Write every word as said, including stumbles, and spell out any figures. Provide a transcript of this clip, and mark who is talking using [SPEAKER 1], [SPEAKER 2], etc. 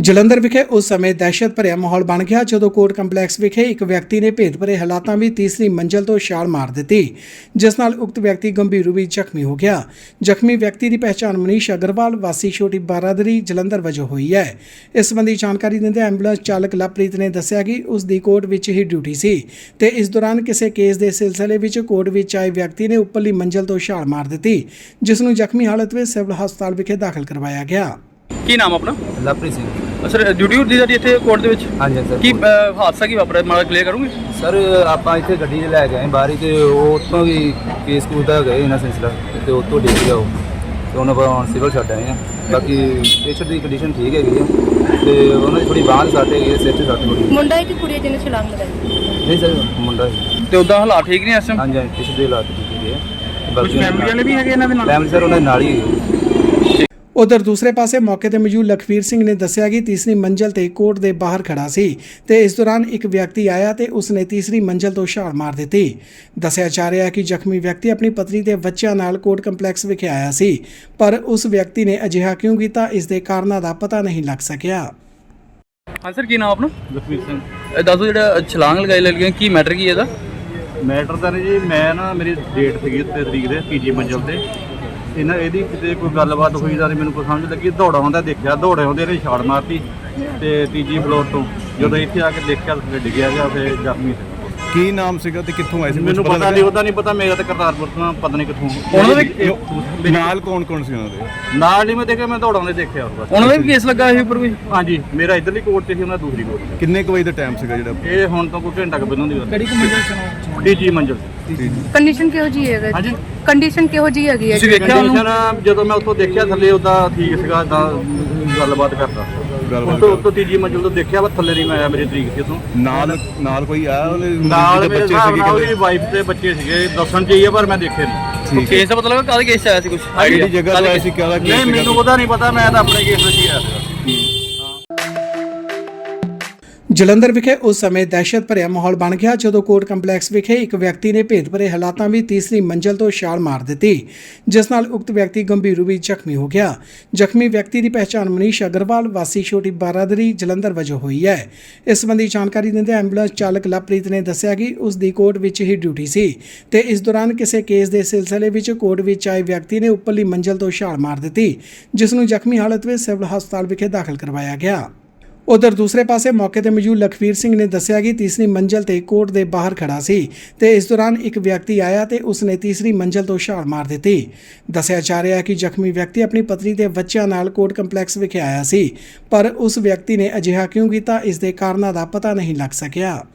[SPEAKER 1] ਜਲੰਧਰ ਵਿਖੇ ਉਸ ਸਮੇਂ ਦਹਿਸ਼ਤ ਭਰਿਆ ਮਾਹੌਲ ਬਣ ਗਿਆ ਜਦੋਂ ਕੋਰਟ ਕੰਪਲੈਕਸ ਵਿਖੇ ਇੱਕ ਵਿਅਕਤੀ ਨੇ ਭੇਦ ਭਰੇ ਹਾਲਾਤਾਂ ਵਿੱਚ ਤੀਸਰੀ ਮੰਜ਼ਲ ਤੋਂ ਛਾਲ ਮਾਰ ਦਿੱਤੀ, ਜਿਸ ਨਾਲ ਉਕਤ ਵਿਅਕਤੀ ਗੰਭੀਰ ਰੂਪ ਵਿੱਚ ਜ਼ਖਮੀ ਹੋ ਗਿਆ। ਜ਼ਖਮੀ ਵਿਅਕਤੀ ਦੀ ਪਹਿਚਾਣ ਮਨੀਸ਼ ਅਗਰਵਾਲ ਵਾਸੀ ਛੋਟੀ ਬਾਰਾਦਰੀ ਜਲੰਧਰ ਵਜੋਂ ਹੋਈ ਹੈ। ਇਸ ਸੰਬੰਧੀ ਜਾਣਕਾਰੀ ਦਿੰਦੇ ਐਂਬੂਲੈਂਸ ਚਾਲਕ ਲਵਪ੍ਰੀਤ ਨੇ ਦੱਸਿਆ ਕਿ ਉਸ ਦੀ ਕੋਰਟ ਵਿੱਚ ਹੀ ਡਿਊਟੀ ਸੀ ਤੇ ਇਸ ਦੌਰਾਨ ਕਿਸੇ ਕੇਸ ਦੇ ਸਿਲਸਿਲੇ ਵਿੱਚ ਕੋਰਟ ਵਿੱਚ ਆਏ ਵਿਅਕਤੀ ਨੇ ਉੱਪਰਲੀ ਮੰਜ਼ਲ ਤੋਂ ਛਾਲ ਮਾਰ ਦਿੱਤੀ, ਜਿਸ ਨੂੰ ਜ਼ਖਮੀ ਹਾਲਤ ਵਿੱਚ ਸਿਵਲ ਹਸਪਤਾਲ ਵਿਖੇ ਦਾਖਲ ਕਰਵਾਇਆ ਗਿਆ।
[SPEAKER 2] ਕੀ ਨਾਮ ਆਪਣਾ?
[SPEAKER 3] ਲਵਪ੍ਰੀਤ ਸਿੰਘ।
[SPEAKER 2] ਸਰ ਡਿਊਟੀ ਹੁੰਦੀ ਸਾਡੀ ਇੱਥੇ ਕੋਰਟ ਦੇ ਵਿੱਚ।
[SPEAKER 3] ਹਾਂਜੀ ਸਰ।
[SPEAKER 2] ਕੀ ਅ, ਹਾਦਸਾ ਕੀ ਵਾਪਰਿਆ ਮਾੜਾ ਕਲੀਅਰ ਕਰੋਗੇ?
[SPEAKER 3] ਸਰ ਆਪਾਂ ਇੱਥੇ ਗੱਡੀ 'ਚ ਲੈ ਕੇ ਆਏ ਬਾਹਰ ਹੀ ਤੇ ਉਹ ਉੱਥੋਂ ਵੀ ਕੇਸ ਕੂਸ ਦਾ ਗਏ ਇਹਨਾਂ ਸਿਲਸਿਲਾ ਤੇ ਉੱਥੋਂ ਡਿੱਗ ਗਿਆ ਉਹ ਤੇ ਉਹਨਾਂ ਆਪਾਂ ਹੁਣ ਸਿਵਲ ਛੱਡ ਆਏ ਆ। ਬਾਕੀ ਪੇਸ਼ੈਂਟ ਦੀ ਕੰਡੀਸ਼ਨ ਠੀਕ ਹੈਗੀ ਆ ਤੇ ਉਹਨਾਂ ਦੀ ਥੋੜੀ ਬਾਂਹ ਸੱਟ ਹੈਗੀ ਹੈ, ਸਿਰ 'ਚ ਸੱਟ ਹੋਈ।
[SPEAKER 4] ਮੁੰਡਾ ਹੈ ਕਿ ਕੁੜੀ ਜਿਹਨੇ ਛਲਾਂਗ ਲਗਾਈ?
[SPEAKER 3] ਨਹੀਂ ਸਰ ਮੁੰਡਾ ਹੈ।
[SPEAKER 2] ਤੇ ਉਦਾਂ ਹਾਲਾਤ ਠੀਕ ਨਹੀਂ ਇਸ ਟਾਈਮ?
[SPEAKER 3] ਹਾਂਜੀ ਹਾਂਜੀ ਪੇਸ਼ੈਂਟ ਦੇ ਹਾਲਾਤ ਠੀਕ ਹੈਗੇ ਆ।
[SPEAKER 2] ਕੁਝ ਫੈਮਿਲੀ ਵਾਲੇ ਵੀ ਹੈਗੇ ਇਹਨਾਂ ਦੇ ਨਾਲ?
[SPEAKER 3] ਫੈਮਿਲੀ ਸਰ ਉਹਨਾਂ ਦੇ ਨਾਲ ਹੀ ਹੈਗੇ।
[SPEAKER 1] ਉਧਰ ਦੂਸਰੇ ਪਾਸੇ ਮੌਕੇ ਤੇ ਮੌਜੂਦ ਲਖਵੀਰ ਸਿੰਘ ਨੇ ਦੱਸਿਆ ਕਿ ਤੀਸਰੀ ਮੰਜ਼ਲ ਤੇ ਕੋਰਟ ਦੇ ਬਾਹਰ ਖੜਾ ਸੀ ਤੇ ਇਸ ਦੌਰਾਨ ਇੱਕ ਵਿਅਕਤੀ ਆਇਆ ਤੇ ਉਸਨੇ ਤੀਸਰੀ ਮੰਜ਼ਲ ਤੋਂ ਛਾਲ ਮਾਰ ਦਿੱਤੀ। ਦੱਸਿਆ ਜਾ ਰਿਹਾ ਹੈ ਕਿ ਜ਼ਖਮੀ ਵਿਅਕਤੀ ਆਪਣੀ ਪਤਨੀ ਤੇ ਬੱਚਿਆਂ ਨਾਲ ਕੋਰਟ ਕੰਪਲੈਕਸ ਵਿਖੇ ਆਇਆ ਸੀ, ਪਰ ਉਸ ਵਿਅਕਤੀ ਨੇ ਅਜਿਹਾ ਕਿਉਂ ਕੀਤਾ, ਇਸ ਦੇ ਕਾਰਨਾਂ ਦਾ ਪਤਾ ਨਹੀਂ ਲੱਗ ਸਕਿਆ।
[SPEAKER 2] ਹਾਂ ਸਰ, ਕੀ ਨਾਮ ਆਪਣਾ?
[SPEAKER 5] ਲਖਵੀਰ ਸਿੰਘ।
[SPEAKER 2] ਇਹ ਦੱਸੋ ਜਿਹੜਾ ਛਲਾਂਗ ਲਗਾਈ ਲੱਗੀਆਂ ਕੀ ਮੈਟਰ ਕੀ ਇਹਦਾ?
[SPEAKER 5] ਮੈਟਰ ਤਾਂ ਨਹੀਂ ਜੀ, ਮੈਂ ਨਾ ਮੇਰੀ ਡੇਟ ਸੀਗੀ ਤੇ ਤਰੀਕ ਦੇ ਤੀਜੀ ਮੰਜ਼ਲ ਤੇ ਇਹਨਾਂ ਇਹਦੀ ਕਿਤੇ ਕੋਈ ਗੱਲਬਾਤ ਹੋਈ ਤਾਂ ਮੈਨੂੰ ਕੋਈ ਸਮਝ ਲੱਗੀ। ਦੌੜਾ ਆਉਂਦਾ ਦੇਖਿਆ, ਦੌੜੇ ਆਉਂਦੇ ਇਹਨੇ ਛਾਲ ਮਾਰਤੀ ਤੇ ਤੀਜੀ ਫਲੋਰ ਤੋਂ ਜਦੋਂ ਇੱਥੇ ਆ ਕੇ ਦੇਖਿਆ ਤਾਂ ਡਿੱਗਿਆ ਗਿਆ, ਫਿਰ ਜ਼ਖਮੀ ਸੀ।
[SPEAKER 6] ਕੀ ਨਾਮ ਸੀਗਾ ਤੇ ਕਿੱਥੋਂ ਆਏ ਸੀ?
[SPEAKER 5] ਮੈਨੂੰ ਪਤਾ ਨਹੀਂ, ਉਹਦਾ ਨਹੀਂ ਪਤਾ। ਮੇਰਾ ਤਾਂ ਕਰਤਾਰਪੁਰ ਤੋਂ ਪਤਾ ਨਹੀਂ ਕਿੱਥੋਂ।
[SPEAKER 2] ਉਹਨਾਂ ਦੇ
[SPEAKER 6] ਨਾਲ ਕੌਣ ਕੌਣ ਸੀ ਉਹਨਾਂ ਦੇ?
[SPEAKER 5] ਨਾਲ ਨਹੀਂ ਮੈਂ ਦੇਖਿਆ, ਮੈਂ ਦੌੜਾਉਂਦੇ ਦੇਖਿਆ ਬਸ।
[SPEAKER 2] ਉਹਨਾਂ ਦਾ ਵੀ ਕੇਸ ਲੱਗਾ ਇਹ ਉੱਪਰ ਵੀ?
[SPEAKER 5] ਹਾਂਜੀ, ਮੇਰਾ ਇੱਧਰਲੀ ਕੋਰਟ 'ਚ ਸੀ, ਉਹਨਾਂ ਦੂਸਰੀ ਕੋਰਟ 'ਚ।
[SPEAKER 6] ਕਿੰਨੇ ਕੁ ਵਜੇ ਦਾ ਟਾਈਮ ਸੀਗਾ ਜਿਹੜਾ?
[SPEAKER 5] ਇਹ ਹੁਣ ਤੋਂ ਕੋਈ ਘੰਟਾ ਕੁ ਪਹਿਲਾਂ ਦੀ ਗੱਲ।
[SPEAKER 2] ਕਿਹੜੀ ਕੁ ਮੰਜ਼ਿਲ ਚ?
[SPEAKER 5] ਤੀਜੀ ਮੰਜ਼ਿਲ।
[SPEAKER 4] ਕੰਡੀਸ਼ਨ ਕਿਹੋ ਜੀ ਹੈਗਾ?
[SPEAKER 5] ਹਾਂਜੀ,
[SPEAKER 4] ਕੰਡੀਸ਼ਨ ਕਿਹੋ ਜੀ ਹੈਗੀ ਹੈ?
[SPEAKER 2] ਤੁਸੀਂ ਵੇਖਿਆ ਉਹਨੂੰ?
[SPEAKER 5] ਕੰਡੀਸ਼ਨ ਜਦੋਂ ਮੈਂ ਉੱਥੋਂ ਦੇਖਿਆ ਥੱਲੇ ਉਹਦਾ ਠੀਕ ਸੀਗਾ, ਤਾਂ ਗੱਲਬਾਤ ਕਰਦਾ।
[SPEAKER 6] ਗੱਲਬਾਤ
[SPEAKER 5] ਉੱਤੋਂ ਉੱਤੋਂ ਤੀਜੀ ਮੰਜ਼ਿਲ ਤੋਂ ਦੇਖਿਆ, ਵਾ ਥੱਲੇ ਨਹੀਂ ਮੈਂ ਆਇਆ, ਮੇਰੀ ਤਰੀਕ ਸੀ ਉੱਥੋਂ।
[SPEAKER 6] ਨਾਲ ਨਾਲ ਕੋਈ ਆਇਆ ਉਹਦੇ?
[SPEAKER 5] ਨਾਲ ਮੇਰੇ
[SPEAKER 6] ਬੱਚੇ
[SPEAKER 5] ਹਿਸਾਬ ਨਾਲ
[SPEAKER 6] ਸੀਗੇ?
[SPEAKER 5] ਉਹਦੀ ਵਾਈਫ ਤੇ ਬੱਚੇ ਸੀਗੇ, ਦੱਸਣ ਚਾਹੀਏ ਪਰ ਮੈਂ ਦੇਖੇ ਨਹੀਂ।
[SPEAKER 2] ਕੇਸ ਦਾ ਪਤਾ ਲੱਗਾ ਕਾਹਦੇ ਕੇਸ ਚ ਆਇਆ ਸੀ ਕੁਝ?
[SPEAKER 6] ਕਿਹੜੀ ਜਗ੍ਹਾ ਤੋਂ ਆਇਆ ਸੀ, ਕਿਹੜਾ ਕੇਸ
[SPEAKER 5] ਨਹੀਂ
[SPEAKER 6] ਸੀਗਾ?
[SPEAKER 5] ਮੈਨੂੰ ਉਹਦਾ ਨਹੀਂ ਪਤਾ, ਮੈਂ ਤਾਂ ਆਪਣੇ ਕੇਸ ਵਿੱਚ ਹੀ ਆਇਆ ਸੀਗਾ।
[SPEAKER 1] ਜਲੰਧਰ ਵਿਖੇ ਉਸ ਸਮੇਂ ਦਹਿਸ਼ਤ ਭਰਿਆ ਮਾਹੌਲ ਬਣ ਗਿਆ ਜਦੋਂ ਕੋਰਟ ਕੰਪਲੈਕਸ ਵਿਖੇ ਇੱਕ ਵਿਅਕਤੀ ਨੇ ਭੇਦ ਭਰੇ ਹਾਲਾਤਾਂ ਵਿੱਚ ਤੀਸਰੀ ਮੰਜ਼ਲ ਤੋਂ ਛਾਲ ਮਾਰ ਦਿੱਤੀ, ਜਿਸ ਨਾਲ ਉਕਤ ਵਿਅਕਤੀ ਗੰਭੀਰ ਰੂਪ ਵਿੱਚ ਜ਼ਖਮੀ ਹੋ ਗਿਆ। ਜ਼ਖਮੀ ਵਿਅਕਤੀ ਦੀ ਪਹਿਚਾਣ ਮਨੀਸ਼ ਅਗਰਵਾਲ ਵਾਸੀ ਛੋਟੀ ਬਾਰਾਦਰੀ ਜਲੰਧਰ ਵਜੋਂ ਹੋਈ ਹੈ। ਇਸ ਸੰਬੰਧੀ ਜਾਣਕਾਰੀ ਦਿੰਦੇ ਐਂਬੂਲੈਂਸ ਚਾਲਕ ਲਵਪ੍ਰੀਤ ਨੇ ਦੱਸਿਆ ਕਿ ਉਸ ਦੀ ਕੋਰਟ ਵਿੱਚ ਹੀ ਡਿਊਟੀ ਸੀ ਤੇ ਇਸ ਦੌਰਾਨ ਕਿਸੇ ਕੇਸ ਦੇ ਸਿਲਸਿਲੇ ਵਿੱਚ ਕੋਰਟ ਵਿੱਚ ਆਏ ਵਿਅਕਤੀ ਨੇ ਉੱਪਰਲੀ ਮੰਜ਼ਲ ਤੋਂ ਛਾਲ ਮਾਰ ਦਿੱਤੀ, ਜਿਸ ਨੂੰ ਜ਼ਖਮੀ ਹਾਲਤ ਵਿੱਚ ਸਿਵਲ ਹਸਪਤਾਲ ਵਿਖੇ ਦਾਖਲ ਕਰਵਾਇਆ ਗਿਆ। ਉਧਰ ਦੂਸਰੇ ਪਾਸੇ ਮੌਕੇ ਤੇ ਮੌਜੂਦ ਲਖਵੀਰ ਸਿੰਘ ਨੇ ਦੱਸਿਆ ਕਿ ਤੀਸਰੀ ਮੰਜ਼ਲ ਤੇ ਕੋਰਟ ਦੇ ਬਾਹਰ ਖੜਾ ਸੀ ਤੇ ਇਸ ਦੌਰਾਨ ਇੱਕ ਵਿਅਕਤੀ ਆਇਆ ਤੇ ਉਸਨੇ ਤੀਸਰੀ ਮੰਜ਼ਲ ਤੋਂ ਛਾਲ ਮਾਰ ਦਿੱਤੀ। ਦੱਸਿਆ ਜਾ ਰਿਹਾ ਹੈ ਕਿ ਜ਼ਖਮੀ ਵਿਅਕਤੀ ਆਪਣੀ ਪਤਨੀ ਤੇ ਬੱਚਿਆਂ ਨਾਲ ਕੋਰਟ ਕੰਪਲੈਕਸ ਵਿਖੇ ਆਇਆ ਸੀ, ਪਰ ਉਸ ਵਿਅਕਤੀ ਨੇ ਅਜਿਹਾ ਕਿਉਂ ਕੀਤਾ, ਇਸ ਦੇ ਕਾਰਨਾਂ ਦਾ ਪਤਾ ਨਹੀਂ ਲੱਗ ਸਕਿਆ।